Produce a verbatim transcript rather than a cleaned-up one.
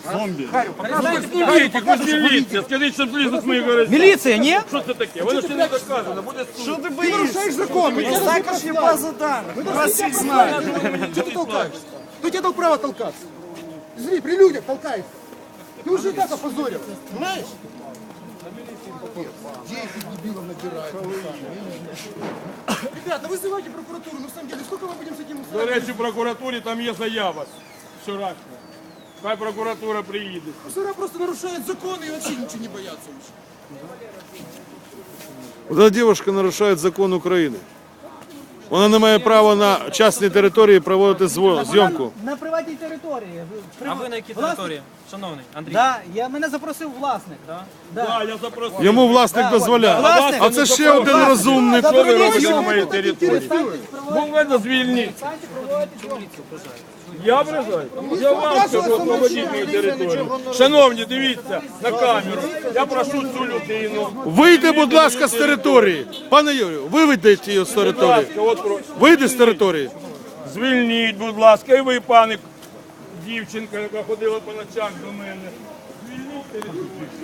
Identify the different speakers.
Speaker 1: Зомби.
Speaker 2: Снимите, ви ж міліція, скажіть, щоб злізли з моїх гаражів.
Speaker 3: Міліція, ні?
Speaker 2: Що це таке? Воно ще не доказано, буде суд.
Speaker 1: Что ты боишься? Ты нарушаешь закон. Також є база данных. Вас всіх знають.
Speaker 4: Что ты толкаешься? Кто тебе дал право толкаться? Смотри, при людях толкаешься. Ты уже и так опозорил, понимаешь? десять дебилов набирают. Ребята, вызывайте прокуратуру. Ну, на самом деле, сколько мы будем с этим
Speaker 2: До
Speaker 4: устраивать?
Speaker 2: речі, в прокуратурі там є заява вчорашня. Хай прокуратура приїде.
Speaker 4: Мусора просто нарушают законы и вообще ничего не боятся уже.
Speaker 5: Вот эта девушка нарушает закон України. Вона не має права на частній території проводити зво- зйомку.
Speaker 3: На приватній території. Ви-
Speaker 6: А ви на якій
Speaker 3: Власник?
Speaker 6: території, шановний Андрій?
Speaker 3: Да, я, мене запросив власник. Да? Да.
Speaker 2: Так, я запросив.
Speaker 5: Йому власник дозволяє.
Speaker 3: Власник.
Speaker 5: А це ще один розумний.
Speaker 2: Що ви робите
Speaker 3: зйомку.
Speaker 2: на моїй території? Ну, мене звільніть. Я ображаю? Я вам скажу, освободіть мою територію. Шановні, дивіться на камеру. Я прошу цю людину.
Speaker 5: Вийди, будь ласка, з території. Пане Юрію, виведіть її з
Speaker 2: Будь
Speaker 5: території.
Speaker 2: ласка, от про-
Speaker 5: Вийди з території.
Speaker 2: Звільніть, будь ласка, і ви, пане дівчинка, яка ходила по ночах до мене. Звільніть територію.